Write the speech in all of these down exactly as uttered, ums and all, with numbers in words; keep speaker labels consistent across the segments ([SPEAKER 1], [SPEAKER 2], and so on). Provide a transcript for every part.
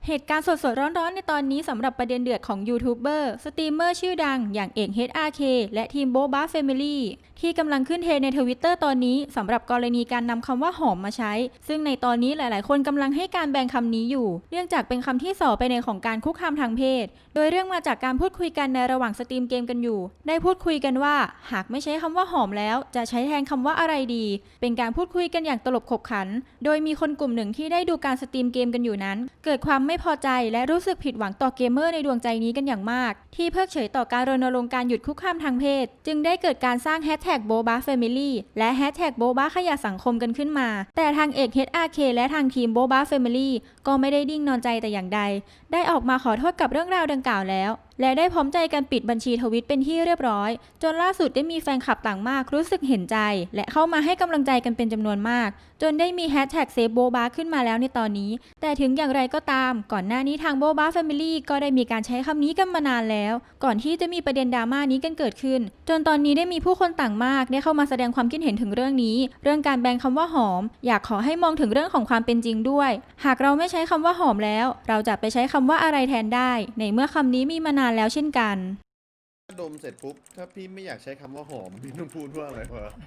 [SPEAKER 1] เหตุการณ์สดๆร้อนๆในตอนนี้สำหรับประเด็นเดือดของยูทูบเบอร์สตรีมเมอร์ชื่อดังอย่างเอก เอช อาร์ เค และทีมโบ๊ะบ้าแฟมิลี่ที่กำลังขึ้นเทรนด์ในทวิตเตอร์ตอนนี้สำหรับกรณีการนำคำว่าหอมมาใช้ ซึ่งในตอนนี้หลายๆคนกำลังให้การแบ่งคำนี้อยู่เนื่องจากเป็นคำที่ส่อไปในของการคุกคามทางเพศโดยเรื่องมาจากการพูดคุยกันในระหว่างสตรีมเกมกันอยู่ได้พูดคุยกันว่าหากไม่ใช้คำว่าหอมแล้วจะใช้แทนคำว่าอะไรดีเป็นการพูดคุยกันอย่างตลบขบขันโดยมีคนกลุ่มหนึ่งที่ได้ดูการสตรีมเกมกันอยู่นั้นเกิดความไม่พอใจและรู้สึกผิดหวังต่อเกมเมอร์ในดวงใจนี้กันอย่างมากที่เพิกเฉยต่อการรณรงค์การหยุดคุกคามทางเพศจึงได้เกิดการสร้างแฮชแท็กโบ๊ะบ้าแฟมิลี่และแฮชแท็กโบ๊ะบ้าขยะสังคมกันขึ้นมาแต่ทางเอก เอช อาร์ เค และทางทีมโบ๊ะบ้าแฟมิลี่ก็ไม่ได้ดิ้งนอนใจแต่อย่างใดได้ออกมาขอโทษกับเรื่องราวดังกล่าวแล้วและได้พร้อมใจกันปิดบัญชีทวิตเป็นที่เรียบร้อยจนล่าสุดได้มีแฟนคลับต่างมากรู้สึกเห็นใจและเข้ามาให้กำลังใจกันเป็นจำนวนมากจนได้มีแฮชแท็กเซฟโบบาขึ้นมาแล้วในตอนนี้แต่ถึงอย่างไรก็ตามก่อนหน้านี้ทางโบบาแฟมิลี่ก็ได้มีการใช้คำนี้กันมานานแล้วก่อนที่จะมีประเด็นดราม่านี้กันเกิดขึ้นจนตอนนี้ได้มีผู้คนต่างมากได้เข้ามาแสดงความคิดเห็นถึงเรื่องนี้เรื่องการแบนคำว่าหอมอยากขอให้มองถึงเรื่องของความเป็นจริงด้วยหากเราไม่ใช้คำว่าหอมแล้วเราจะไปใช้คำว่าอะไรแทนได้ในเมื่อคำนี้มีมานานแล้วเช่นกัน
[SPEAKER 2] ดมเสร็จปุ๊บถ้าพี่ไม่อยากใช้คำว่าหอมพี่ต้องพูดว่าอะไรวะ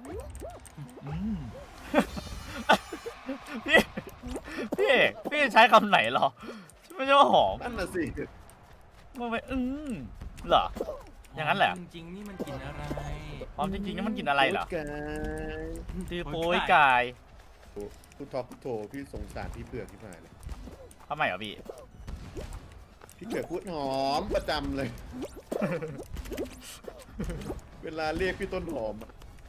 [SPEAKER 3] พี่พี่พี่ใช้คำไหนหรอไม่ใช่ว่าหอม
[SPEAKER 2] นั่นน่ะสิ
[SPEAKER 3] มันไปอืมเหรออย่างนั้นแหละ
[SPEAKER 4] จริงๆนี่มันกินอะไร
[SPEAKER 3] หอมจริงๆนี่มันกินอะไรเหรอ
[SPEAKER 2] โยกาย
[SPEAKER 3] ตีโป้ยกาย
[SPEAKER 2] พูดท็อปพูดโทพี่สงสารพี่เผือกที่ผ่านเลย
[SPEAKER 3] ทำไมเหรอพี่
[SPEAKER 2] พี่เผือกพูดหอมประจำเลย เวลาเรียกพี่ต้นหอมอะ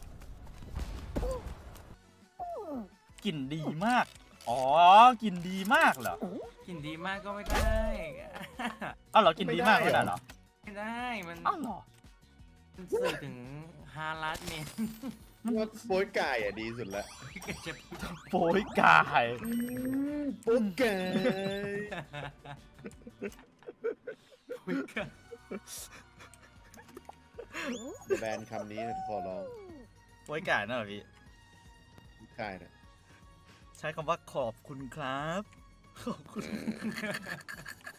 [SPEAKER 3] กลิ่นดีมากอ๋อ กลิ่นดีมากเหรอ
[SPEAKER 4] กินดีมากก็ไม่ได้
[SPEAKER 3] อ้าวเหรอกลิ่นดีมากไม่ได้เหรอ
[SPEAKER 4] ไม่ได้มัน
[SPEAKER 3] อ้าวเหรอ
[SPEAKER 4] มันสื่อถึงฮารัสเมน
[SPEAKER 2] ว่าโป๊ยไก่อะดีสุดละ
[SPEAKER 4] จะพูด
[SPEAKER 3] โป้ยกาย
[SPEAKER 2] โป๊ยไก่
[SPEAKER 4] คุยกัน
[SPEAKER 2] แบนคำนี้ขอร้อง
[SPEAKER 3] โป้ยกายนั่นเหรอพี่
[SPEAKER 2] ใช่นะ
[SPEAKER 3] ใช้คำว่าขอบคุณครับ ขอบคุณ